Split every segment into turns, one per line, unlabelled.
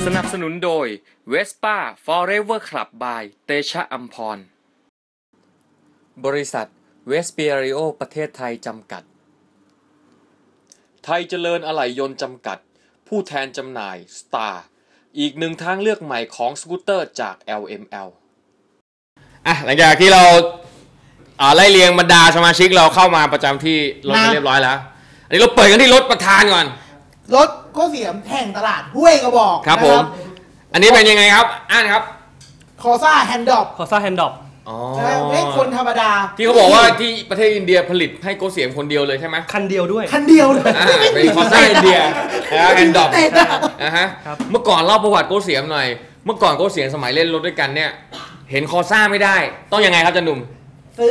สนับสนุนโดย Vespa Forever Club by เตชะอัมพรบริษัทเวสเปียริโอประเทศไทยจำกัดไทยเจริญอะไหล่ยนต์จำกัดผู้แทนจำหน่าย Star อีกหนึ่งทางเลือกใหม่ของสกูตเตอร์จาก LML หลังจากที่เราไล่เรียงบรรดาสมาชิกเราเข้ามาประจำที่รถเรียบร้อยแล้วอันนี้เราเปิดกันที่รถประธานก่อน
รถก็เสียมแห่งตลาดห้วยกระบอก
ครับผมอันนี้เป็นยังไงครับอ่านครับ
คอซ่าแฮนด์ดอป
อ๋อ
ไม่คนธรรมดา
ที่เขาบอกว่าที่ประเทศอินเดียผลิตให้โกเสียมคนเดียวเลยใช่ไหม
คันเดียวด้วย
เป็นคอซ่าอินเดียแฮนด์ดอปนะฮะเมื่อก่อนเล่าประวัติโกเสียมหน่อยเมื่อก่อนโกเสียมสมัยเล่นรถด้วยกันเนี่ยเห็นคอซ่าไม่ได้ต้องยังไงครับจันหนุ่ม
ซื้อ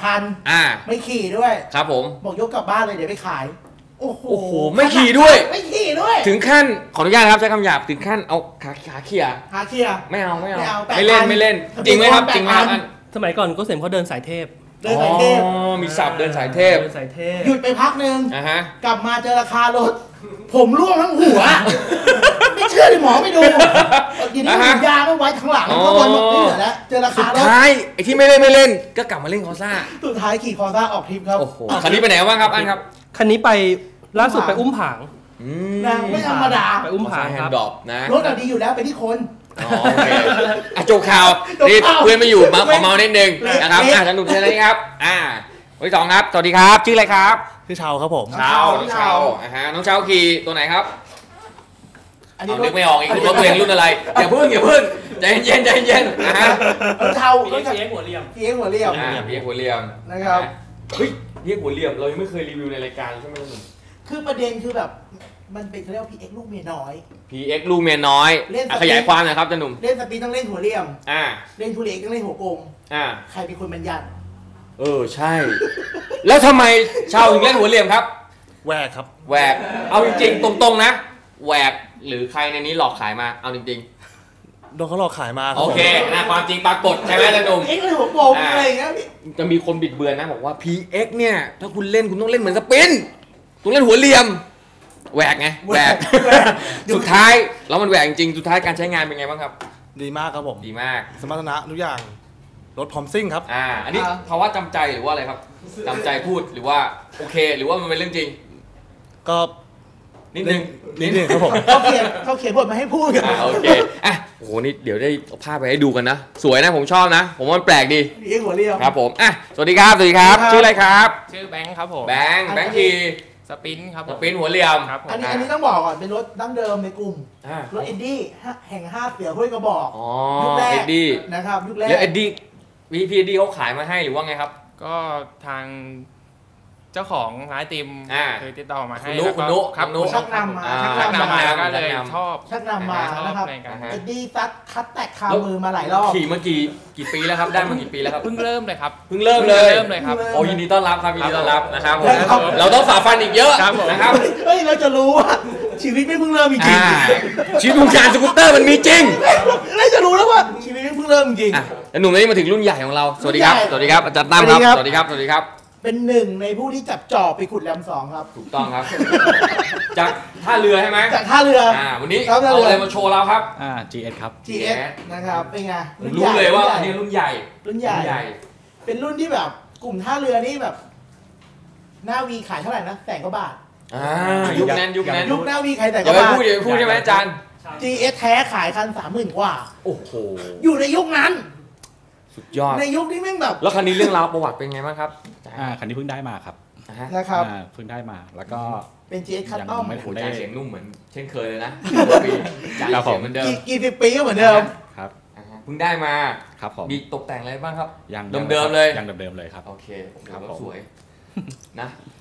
8,000 ไม่ขี่ด้วย
ครับผม
บอกยกกลับบ้านเลยเดี๋ยวไปขายโอ้โห
ไม่ขี่ด้วยถึงขั้นขออนุญาตครับใช้คำหยาบถึงขั้นเอาขาเขี่ยไม่เอาไม่เล่นจริงไหมครับจริงไหมครับ
สมัยก่อนก็เสียมเขาเดินสายเทพ
มีศัพท์เดินสายเทพ
หยุดไปพักนึงกลับมาเจอราคารถผมร่วงทั้งหัวไม่เชื่อเลยหมอไม่ดูทีนี้ฉีดยาไม่ไว้ทั้งหลังก็วันหมดไม่เหลือแล้วเจอราคารถ
สุดท้ายไอ้ที่ไม่เล่นก็กลับมาเล่นคอซ่า
สุดท้ายขี่คอซ่าออกทริปครับ
โอ้โหคันนี้ไปไหนบ้างครับอันครับ
คันนี้ไปล่าสุดไปอุ้มผาง
ไม่ธรรมดา
ไปอุ้มผางครับ
รถดีอยู่แล้วไปที่คน
โอเคโจกข่าวนี่เพื่อนไม่อยู่มาขอเมานิดนึงนะครับสนุกใช่ไหมครับวันที่สองครับสวัสดีครับชื่ออะไรครับ
ชื่อเชาครับผม
เชาน้องเชาน้องเชาขี่ตัวไหนครับอันนี้นึกไม่ออกอีกรถตัวเองรุ่นอะไรอย่าพึ่งใจเย็น
นะฮะเชา
เพียงหัวเรียม
เพียงหัวเรียม
นะครับ
เฮ้ยเพียงหัวเรียมเรายังไม่เคยรีวิวในรายการใช่ไหมครับ
คือประเด็นคือแบบมันเป็นเขาเรียกว่า PX ลูกเมียน้อย
PX ลูกเมียน้อยขยายความหน่อยครับจันหนุ่ม
เล่นสปีดต้องเล่นหัวเรียมเล่นทุเรศต้องเล่นหัวกลมใครเป็นคนบัญญัติ
ใช่แล้วทำไมชาวถึงเล่นหัวเรียมครับ
แหวกครับ
แหวกเอาจริงๆตรงๆนะแหวกหรือใครในนี้หลอกขายมาเอาจริง
ๆโดนเขาหลอกขายมา
โอเคความจริงปรากฏใช่ไหมจันหนุ่ม
PX เลยหัวกลมอะไรอย่างเงี้ย
จะมีคนบิดเบือนนะบอกว่า PX เนี่ยถ้าคุณเล่นคุณต้องเล่นเหมือนสปินต้องเล่นหัวเรียมแหวกไงแหวกสุดท้ายแล้วมันแหวกจริงสุดท้ายการใช้งานเป็นไงบ้างครับ
ดีมากครับผม
ดีมาก
สมรรถนะทุกอย่างรถพร้อมซิ่งครับ
อันนี้ภาวะจำใจหรือว่าอะไรครับจำใจพูดหรือว่าโอเคหรือว่ามันเป็นเรื่องจริง
ก็
นิดนึง
ครับผม
เขาเขียนบทมาให้พูดกัน
โอเคโอ้โหนี่เดี๋ยวได้เอาภาพไปให้ดูกันนะสวยนะผมชอบนะผมว่ามันแปลกดี
หัวเรียว
ครับผมสวัสดีครับชื่ออะไรครับ
ชื่อแบงค์ครับผม
แบงค์ที
สปินครับ
สปินหัวเรียม
อันนี้ต้องบอกก่อนเป็นรถดั้งเดิมในกลุ่มรถเอ็ดดี้แห่ง5เสือห้วยกระบอก
ยุคแรกเอ็ดดี้
นะครับยุคแรก
แล้วเอ็ดดี้พีเอ็ดดี้เขาขายมาให้หรือว่าไงครับ
ก็ทางเจ้าของร้านติมเคยติดต่อมาให้
คุณนุ
ครับ
ชักนำมา
ก็เลยชอบ
ชักนำมานะครับเอ็ดดี้ซัดคัดแตกคามือมาหลายรอบ
ขี่มากี่ปีแล้วครับได้มากี่ปีแล้วครับ
เพิ่งเริ่มเลยครับ
เพิ่งเริ่มเลยครับโอ้ยินดีต้อนรับครับยินดีต้อนรับนะครับเราต้องฝ่าฟันอีกเยอะนะครับ
เราจะรู้ว่าชีวิตไม่เพิ่งเริ่มจริง
ชีวิตวงการสกูตเตอร์มันมีจริง
เราจะรู้แล้วว่าชีวิตเพิ่งเริ่มจริง
แล้วหนุ่มนี่มาถึงรุ่นใหญ่ของเราสวัสดีครับอาจารย์ตั้มครับสวัสดีครับ
เป็นหนึ่งในผู้ที่จับจอบไปขุดแรม2ครับ
ถูกต้องครับจากท่าเรือใช่ไหม
จากท่าเรือ
วันนี้เอาอะไรมาโชว์เราครับ
GS ครับ
GS นะครับเป็นไง
รู้เลยว่าอันนี้รุ่นใหญ่
เป็นรุ่นที่แบบกลุ่มท่าเรือนี่แบบหน้าวีขายเท่าไหร่นะ100,000 กว่าบาท
ยุคนั้น
ยุคหน้าวีขาย100,000 กว่าบาท
อย่าพูดใช่ไหมอาจารย์
GS แท้ขายคัน 30,000 กว่า
โอ้โห
อยู่ในยุคนั้น
สุดยอด
ในยุคนี้แม่งแบบ
แล้วคันนี้เรื่องราวประวัติเป็นไงบ้างครับ
คันนี้เพิ่งได้มาครับ
นะครับ
เพิ่งได้มาแล้วก็
เป็น GS คัสตอม
ไม่ได้เสียงนุ่มเหมือนเช่นเคยเลยนะปีจ่ายเสียงเหมือนเดิม
กี่สิบปีก็เหมือนเดิม
ครับ
เพิ่งได้มา
ครับผม
มีตกแต่งอะไรบ้างครับ
เดิม
เลย
ยังเดิมเลยครับ
โอเคครับสวยนะ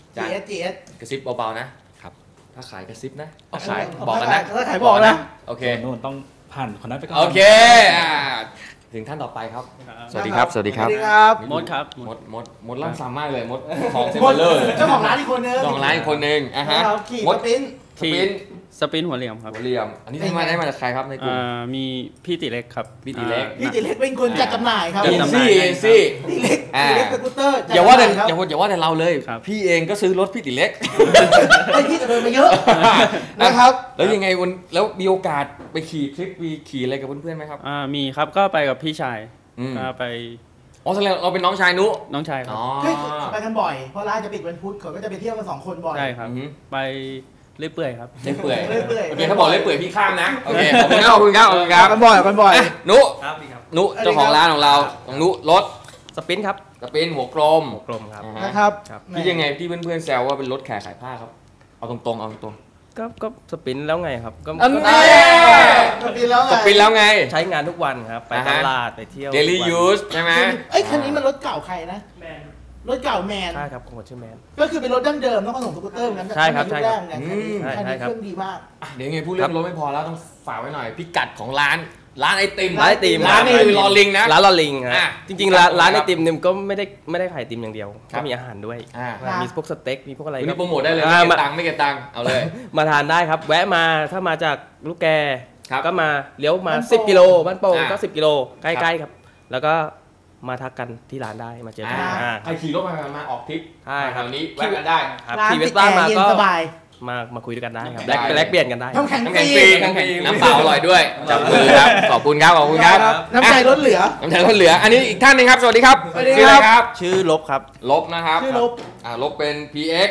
GS
กระซิบเบาๆนะครับถ้าขายกระซิบนะขาย
บ
อกกันนะ
ถ้าขายบอกนะ
โอเค
นู่นต้องผ่านคนนั้นไปก่อน
โอเคถึงท่านต่อไปครับสวัสดีครับ
มดครับ
มดล่ำซ้ำมากเลยมดของเซมเบอร์
เจ้าของร้านอีกคนนึง
มด
ขี่
สปินหัวเหลี่ยมครับ
หัวเหลี่ยมอันนี้ได้มาจากใครครับในกลุ่ม
มีพี่ติเล็กครับ
พี่ติเล็ก
เป็นคนจัดจำหน่ายครับ
เอ็นซี่
ติเล็กสกูตเตอร์
อย่าว่าแต่เราเลยพี่เองก็ซื้อรถพี่ติเล็ก
พี่จะโดนมาเยอะนะครับ
แล้วยังไงแล้วมีโอกาสไปขี่ทริปขี่อะไรกับเพื่อนๆไหมครับ
มีครับก็ไปกับพี่ชายก็ไป
แสดงเราเป็นน้องชายนุ
น้องชายครับ
ไปกันบ่อยเพราะร้านจะปิดวันพุธเขาก็จะไปเที่ยวกัน2 คนบ่อย
ใช่ครับไปเรื่อยเปื่อยครับ
เรื่อยเปื่อยโอเคถ้าบอกเรื่อยเปื่อยพี่ข้ามนะโอเคขอบคุณครับ
กันบ่อย
นุเจ้าของร้านของเรานุรถ
สปินครับ
สปินหัวกลม
ครับนะครับ
พี่ยังไงที่เพื่อนๆแซวว่าเป็นรถแข่ขายผ้าครับเอาตรง
ก็สปินแล้วไงครับ
ก็สปินแล้วไง
ใช้งานทุกวันครับไปตลาดไปเที่ยว
daily use ใช่ไหม
คันนี้มันรถเก่าใครนะรถเก่าแมน
ใช่ครับของชื่อแมน
ก็คือเป็นรถดั้งเดิมแล้วก็ส่งสกูตเตอร์เหมือนกัน
ใช่ครับ
ใช่ครับคันนี้เครื่องดีมาก
เดี๋ยวไงพูดเรื่องรถไม่พอแล้วต้องฝากไว้หน่อยพิกัดของร้านไอติม
ร้าน
นี้คือลอลิงนะ
ร้านลอลิงครับจริงๆร้านไอติมเนี่ยก็ไม่ได้ขายไอติมอย่างเดียวก็มีอาหารด้วยมีพวกสเต็กมีพวกอะไร
นี่โปรโมทได้เลยไม่เก็บตังค์เอาเลย
มาทานได้ครับแวะมาถ้ามาจากลูกแกก็มาเลี้ยวมา10 กิโลบ้านโป่งก็10 กิโลใกล้ๆครับแล้วก็มาทักกันที่ร้านได้มาเจอกัน
ใครขี่รถมาออกทริป
ใช่
ครับนี้แวะกันได้
ครับขี่เวสป้ามาก็มาคุยกันได้ครับแลกเปลี่ยนกันได้
น้ำแข็งฟรี
น้ำเปล่าอร่อยด้วยจับมือครับขอบคุณครับ
น้ำใจล้นเหลือ
อันนี้อีกท่านนึงครับสวัสดีครับ
ชื่ออะไรครับชื่อลบครับ
ลบนะครับ
ชื่อ
ลบเป็น PX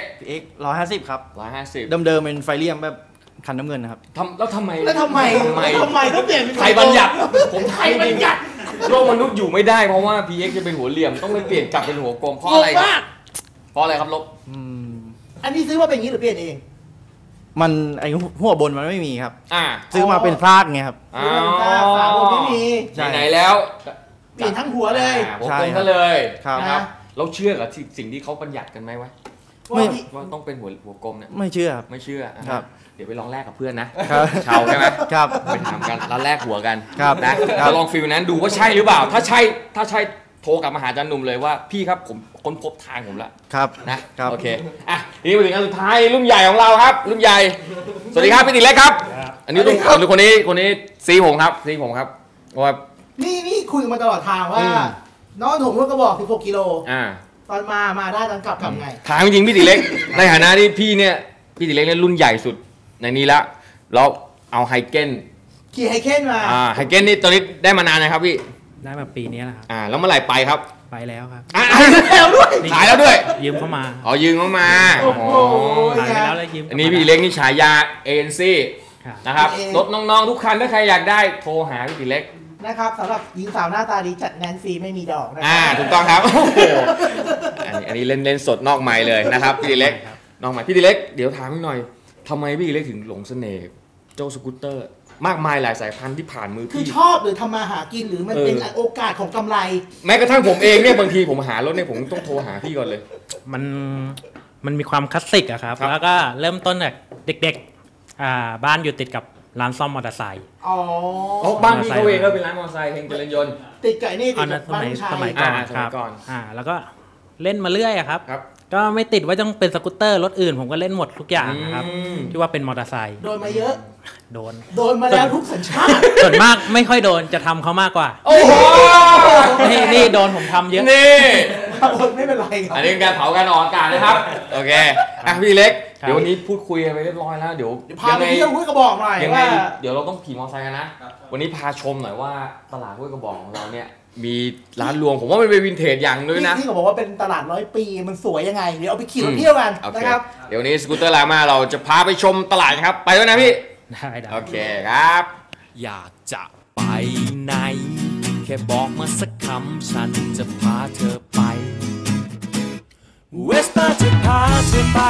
150ครับ
150
เดิมเป็นไฟเลียมแบบคันน้ำเงินนะครับ
แล้วทำไม
ต้องเปลี่ยน
ใครบัญญัติผมไทยบัญญัติโลกมนุษย์อยู่ไม่ได้เพราะว่า PX จะเป็นหัวเหลี่ยมต้องไปเปลี่ยนกลับเป็นหัวกลมเพราะอะไรครับลบ
อันนี้ซื้อมาเป็นอย่างนี้หรือเปลี่ยนเอง
มันไอหัวบนมันไม่มีครับซื้อมาเป็นพลาดไงครับ
ฝาบนไม่มี
ไหนแล้ว
เปลี่ยนทั้งหัวเลย
หัวกลมก็เลยครับเราเชื่อกับสิ่งที่เขาบัญญัติกันไหมวะว่าต้องเป็นหัวกลมเนี่ย
ไม่เชื่อ
ครับเดี๋ยวไปลองแลกกับเพื่อนนะชาวใช่ไหม
ครับ
ไปถามกันแล้วแลกหัวกันนะลองฟิลนั้นดูว่าใช่หรือเปล่าถ้าใช่โทรกลับมาหาอาจารย์หนุ่มเลยว่าพี่ครับผมค้นพบทางผมแล้ว
ครับ
นะโอเคนี่มาถึงอันสุดท้ายรุ่นใหญ่ของเราครับรุ่นใหญ่สวัสดีครับพี่ติเล็กครับอันนี้ต้องคนนี้ซีผมครับว่า
นี่คุยมาตลอดทางว่าน้องผมก็บอก16 กิโลตอนมาได้ตอนกลับไง
ทางจริงพี่ติเล็กในฐานะที่พี่ติเล็กเนี่ยรุ่นใหญ่สุดในนี้ละเราเอาไฮเก้น
ขี่ไฮเก้นมา
ไฮเก้นนี่ตอนนี้ได้มานานนะครับพี่
ได้มาปีนี้นะครับ
แล้วเมื่อไหร่ไปครับ
ไปแล้วครับ
แล้วด้วย
ขายแล้วด้วย
ยืมเข้ามา
ยืมเข้ามา
ขายไปแล้วเลยยืม
อันนี้พี่ติเล็กนี่ฉายาเอ็นซี่นะครับรถน้องๆทุกคันถ้าใครอยากได้โทรหาพี่ติเล็ก
นะครับสำหรับหญิงสาวหน้าตาดีจัดแนนฟรีไม่มีดอกนะ
ถูกต้องครับอันนี้เล่นสดนอกไมค์เลยนะครับพี่ติเล็กนอกไมค์พี่ติเล็กเดี๋ยวถามหน่อยทำไมพี่ติเล็กถึงหลงเสน่ห์เจ้าสกูตเตอร์มากมายหลายสายพันธุ์ที่ผ่านมือพี่
คือชอบหรือทำมาหากินหรือมันเป็นโอกาสของกำไร
แม้กระทั่งผมเองเนี่ยบางทีผมหารถเนี่ยผมต้องโทรหาพี่ก่อนเลย
มันมีความคลาสสิกอะครับแล้วก็เริ่มต้นจากเด็กๆบ้านอยู่ติดกับร้านซ่อมมอเตอร์ไซค์
บ้านพี่เขาเองก็เป็นร้านมอเตอร์ไซค์เฮงเจริญยนต์
ติดไก่นี่ติดกับบ้าน
สมัยก่อนครับแล้วก็เล่นมาเรื่อยครับก็ไม่ติดว่าต้องเป็นสกูตเตอร์รถอื่นผมก็เล่นหมดทุกอย่างนะครับที่ว่าเป็นมอเตอร์ไซค์
โดนมาเยอะ
โดน
มาแล้วทุกสัญชาติ
ส่วนมากไม่ค่อยโดนจะทำเขามากกว่า
โอ้โห
นี่โดนผมทำเยอะ
นี่
ไม่เป็นไรครับ
อันนี้การเผาการออกอากาศนะครับโอเคพี่เล็กเดี๋ยววันนี้พูดคุยไปเรียบร้อยแล้วเดี๋ยว
พาไปเที่ยวห้วยกระบอกหน่อย
ยังไงเดี๋ยวเราต้องขี่มอเตอร์ไซค์กันนะวันนี้พาชมหน่อยว่าตลาดห้วยกระบอกของเราเนี่ยมีร้านรวงผมว่ามันเป็นวินเทจอย่างด้วยนะ
ที่เขาบอกว่าเป็นตลาด100 ปีมันสวยยังไงเดี๋ยวเอาไปขี่รถเที่ยวกันนะครับ
เดี๋ยวนี้สกูตเตอร์ลามาเราจะพาไปชมตลาดครับไปด้วยนะพี่
ได้
โอเคครับ
อยากจะไปไหนแค่บอกมาสักคำฉันจะพาเธอไปเวสป้าจะพาเธอไป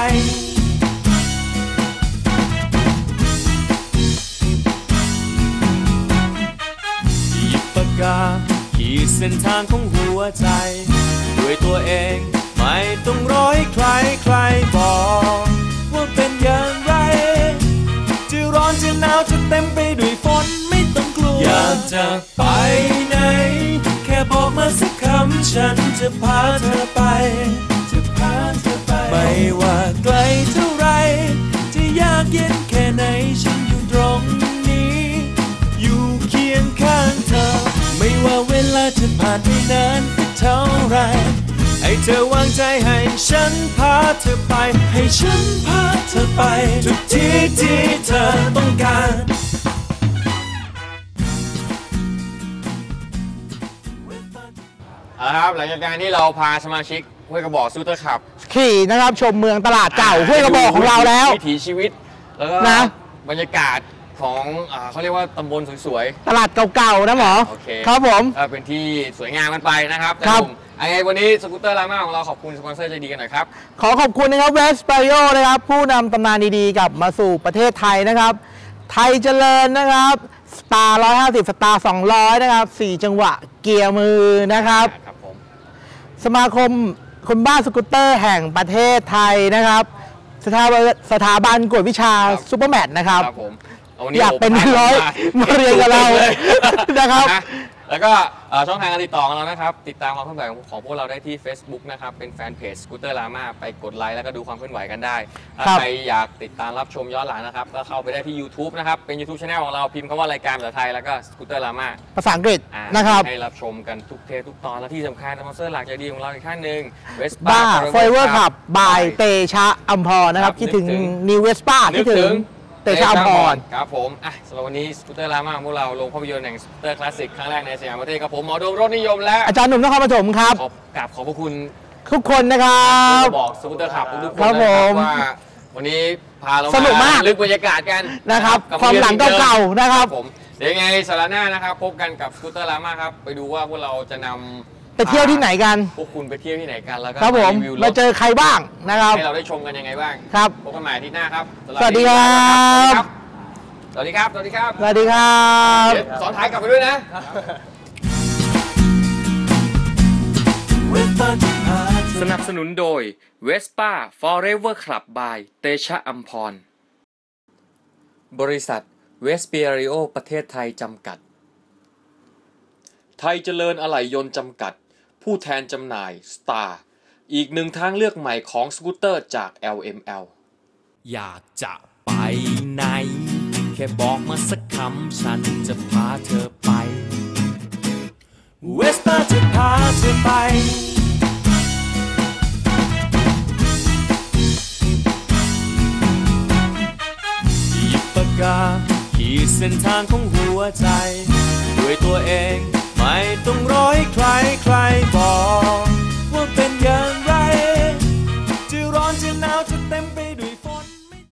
หยิบปากกาขีดเส้นทางของหัวใจด้วยตัวเองไม่ต้องรอให้ใครบอกว่าเป็นอย่างไรจะร้อนจะหนาวจะเต็มไปด้วยฝนไม่ต้องกลัวอยากจะไปไหนแค่บอกมาสักคำฉันจะพาเธอไปไม่ว่าไกลเท่าไรจะยากเย็นแค่ไหนฉัเธอวางใจให้ฉันพาเธอไปให้ฉันพาเธอไปทุกที่ที่เธอต้องการ
ครับหลังจากการที่เราพาสมาชิกห้วยกระบอกซูเตอร์ขับ
ขี่นะครับชมเมืองตลาดเก่าห้วยกระบอกของเราแล้ว
วิถีชีวิตแล้วก็บรรยากาศของเขาเรียกว่าตำบลสวย
ๆตลาดเก่าๆนะหมอครับผม
เป็นที่สวยงามกันไปนะครับไงวันนี้สกูตเตอร์ราม่าของเราขอบคุณสปอนเซอร์ใจดีกันหน่อยครับ
ขอขอบคุณนะครับเวสเปริโอนะครับผู้นำตำนานดีๆกลับมาสู่ประเทศไทยนะครับไทยเจริญนะครับสตาร์150สตาร์200นะครับ4จังหวะเกียร์มือนะครับสมาคมคนบ้าสกูตเตอร์แห่งประเทศไทยนะครับสถาบันกวดวิชาซูเปอร์แมทนะครับอยากเป็นร้อยมาเรียนกับเรานะครับ
แล้วก็ช่องทางการติดต่อของเรานะครับติดตามความเคลื่อนไหวของพวกเราได้ที่ Facebook นะครับเป็นแฟนเพจสกูตเตอร์ราม่าไปกดไลค์แล้วก็ดูความเคลื่อนไหวกันได้ถ้าใครอยากติดตามรับชมย้อนหลังนะครับก็เข้าไปได้ที่ YouTube นะครับเป็น YouTube Channel ของเราพิมพ์คำว่ารายการภาษาไทยแล้วก็สกูตเตอร์ราม่า
ภาษาอังกฤษนะครับ
ให้รับชมกันทุกเทปทุกตอนและที่สำคัญสปอนเซอร์หลักใจดีของเราอีกท่านหนึ่ง
Vespa Forever Club by เตชะอัมพรนะครับคิดถึง New Vespa คิดถึงเตชะอัมพร
ครับผมสำหรับวันนี้สกูตเตอร์ราม่าของพวกเราลงภาพยนตร์แห่งสกูตเตอร์คลาสสิกครั้งแรกในสยามประเทศครับผมหมอโดมรถนิยมและ
อาจารย์หนุ่มนครปฐมครับ
ขอบพระคุณ
ทุกคนนะครับ
บอกสกูตเตอร์ขับทุกคนนะครับว่าวันนี้พาเรา
สนุกมาก
ลึกบรรยากาศกัน
นะครับความหลังเก่าๆนะครับ
ผมเดี๋ยวไงสัปดาห์หน้านะครับพบกันกับสกูตเตอร์ราม่าครับไปดูว่าพวกเราจะนำ
ไปเที่ยวที่ไหนกัน
พวกคุณไปเที่ยวที่ไหนกันแล้วก็
ครับผมมาเจอใครบ้างนะครับ
ให้เราได้ชมกันยังไงบ้าง
ครับ
พบกันใหม่อาทิตย์หน้าครับ
สวัสดีครับ
สวัสดีครับสวัสดีครับ
สวัสดีครับ
สอนท้ายกลับไปด้วยนะสนับสนุนโดย Vespa Forever Club by เตชะอัมพรบริษัทเวสเปียริโอประเทศไทยจำกัดไทยเจริญอะไหล่ยนต์จำกัดผู้แทนจำหน่าย Star อีกหนึ่งทางเลือกใหม่ของสกูตเตอร์จาก LML
อยากจะไปไหนแค่บอกมาสักคำฉันจะพาเธอไปเวสป้าจะพาเธอไปหยิบปากกาขีดเส้นทางของหัวใจด้วยตัวเองไม่ต้องรอให้ใครบอก